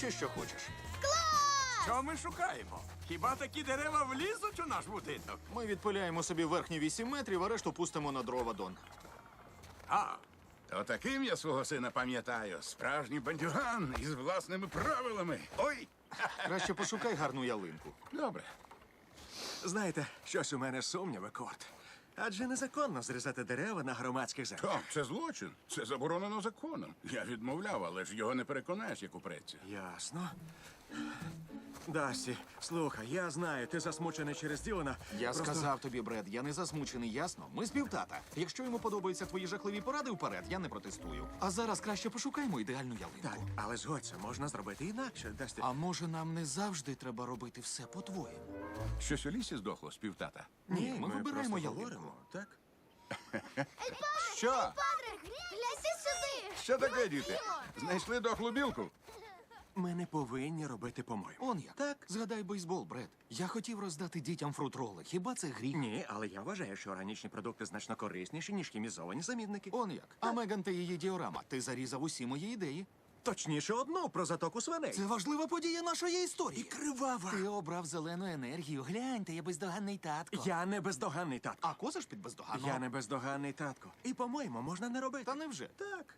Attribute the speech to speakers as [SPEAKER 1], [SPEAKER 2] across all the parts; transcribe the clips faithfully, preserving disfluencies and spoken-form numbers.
[SPEAKER 1] чи що хочеш?
[SPEAKER 2] Що ми шукаємо? Хіба такі дерева влізуть у наш будинок?
[SPEAKER 1] Ми відпиляємо собі верхні вісім метрів, а решту пустимо на дрова, Дон.
[SPEAKER 2] А,
[SPEAKER 3] То таким я свого сина пам'ятаю. Справжній бандюган із власними правилами. Ой!
[SPEAKER 1] Краще пошукай гарну ялинку.
[SPEAKER 3] Добре.
[SPEAKER 4] Знаєте, щось у мене сумніви, Корт. Адже незаконно зрізати дерева на громадських землях.
[SPEAKER 3] Так, це злочин. Це заборонено законом. Я відмовляв, але ж його не переконаєш, як упреться.
[SPEAKER 4] Ясно. Дасті, слухай, я знаю, ти засмучений через Ділана.
[SPEAKER 1] Я
[SPEAKER 4] Просто-
[SPEAKER 1] сказав тобі, Бред, я не засмучений, ясно? Ми співтата. Якщо йому подобаються твої жахливі поради вперед, я не протестую. А зараз краще пошукаймо ідеальну ялинку.
[SPEAKER 4] Так, але згодься, можна зробити інакше, Дасті.
[SPEAKER 1] А може нам не завжди треба робити все по-твоєму?
[SPEAKER 3] Щось у лісі здохло, співтата.
[SPEAKER 1] Ні, ми вибираємо
[SPEAKER 4] просто
[SPEAKER 1] ялинку.
[SPEAKER 4] говоримо, так?
[SPEAKER 3] Що?
[SPEAKER 5] Падре, гляньте сюди!
[SPEAKER 3] Що таке, діти? Знайшли дохлу білку?
[SPEAKER 4] Ми не повинні робити по-моєму.
[SPEAKER 1] Он як.
[SPEAKER 4] Так.
[SPEAKER 1] Згадай бейсбол, Бред. Я хотів роздати дітям фрутроли. Хіба це гріх?
[SPEAKER 4] Ні, але я вважаю, що органічні продукти значно корисніші, ніж хімізовані замінники.
[SPEAKER 1] Он як. А Меган та її діорама. Ти зарізав усі мої ідеї.
[SPEAKER 4] Точніше, одну про затоку свиней.
[SPEAKER 1] Це важлива подія нашої історії.
[SPEAKER 4] І кривава.
[SPEAKER 1] Ти обрав зелену енергію. Гляньте, я бездоганний татко.
[SPEAKER 4] Я не бездоганний татко.
[SPEAKER 1] А козиш під бездоганного?
[SPEAKER 4] Я не бездоганний татко. І, по-моєму, можна не робити.
[SPEAKER 1] Та невже?
[SPEAKER 4] Так.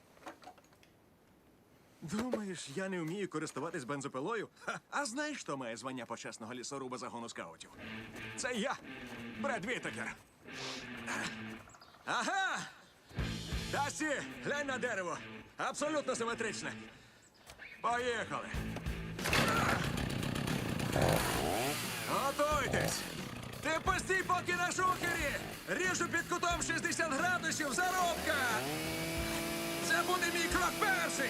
[SPEAKER 4] Думаєш, я не вмію користуватись бензопилою? Ха, а знаєш, хто має звання почесного лісоруба загону скаутів? Це я, Бред Вітакер. Ага! Дасті, глянь на дерево. Абсолютно симетричне. Поїхали. Готуйтесь. Ти постій поки на шухері. Ріжу під кутом шістдесят градусів, заробка. Це буде мій крок перший.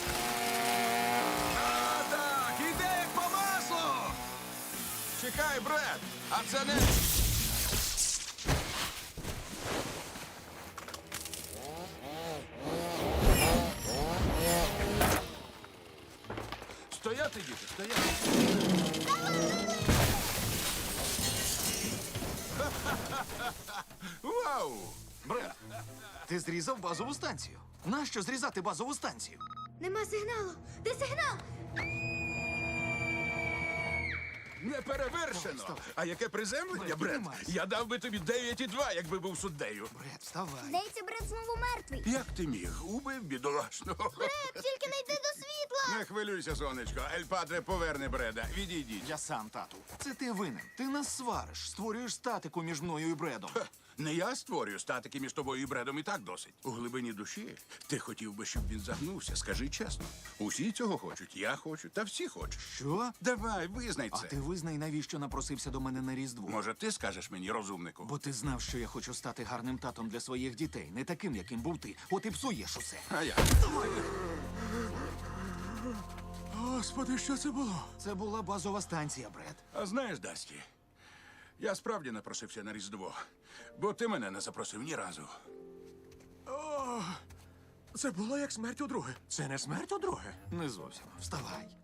[SPEAKER 4] А так, іде як по маслу.
[SPEAKER 3] Чекай, Бред! А це не... Стояти, діти, стояти. Вау!
[SPEAKER 1] Бред, ти зрізав базову станцію. Нащо зрізати базову станцію?
[SPEAKER 5] Нема сигналу! Де сигнал?
[SPEAKER 3] Неперевершено! А яке приземлення,
[SPEAKER 1] Бред,
[SPEAKER 3] Бред?
[SPEAKER 1] піднімайся.
[SPEAKER 3] Я дав би тобі дев'ять і два, якби був суддею.
[SPEAKER 1] Бред, вставай.
[SPEAKER 5] Здається, Бред знову мертвий.
[SPEAKER 3] Як ти міг? Убив бідолашного.
[SPEAKER 5] Бред, тільки не йди до світла!
[SPEAKER 3] Не хвилюйся, сонечко. Ель Падре поверне Бреда. Відійдіть.
[SPEAKER 1] Я сам, тату. Це ти винен. Ти нас свариш, створюєш статику між мною і Бредом.
[SPEAKER 3] Ха, Не я створюю статики між тобою і Бредом, і так досить. У глибині душі ти хотів би, щоб він загнувся. Скажи чесно. Усі цього хочуть, я хочу, та всі хочуть.
[SPEAKER 1] Що?
[SPEAKER 3] Давай, визнай
[SPEAKER 1] А
[SPEAKER 3] це.
[SPEAKER 1] ти визнай, навіщо напросився до мене на Різдво?
[SPEAKER 3] Може, ти скажеш мені, розумнику?
[SPEAKER 1] Бо ти знав, що я хочу стати гарним татом для своїх дітей, не таким, яким був ти. От і псуєш усе.
[SPEAKER 3] А я.
[SPEAKER 4] Господи, що це було?
[SPEAKER 1] Це була базова станція, Бред.
[SPEAKER 3] А знаєш, Дасті, я справді напросився на Різдво, бо ти мене не запросив ні разу.
[SPEAKER 4] Це було як смерть у друге. Це не смерть у друге.
[SPEAKER 1] Не зовсім. Вставай.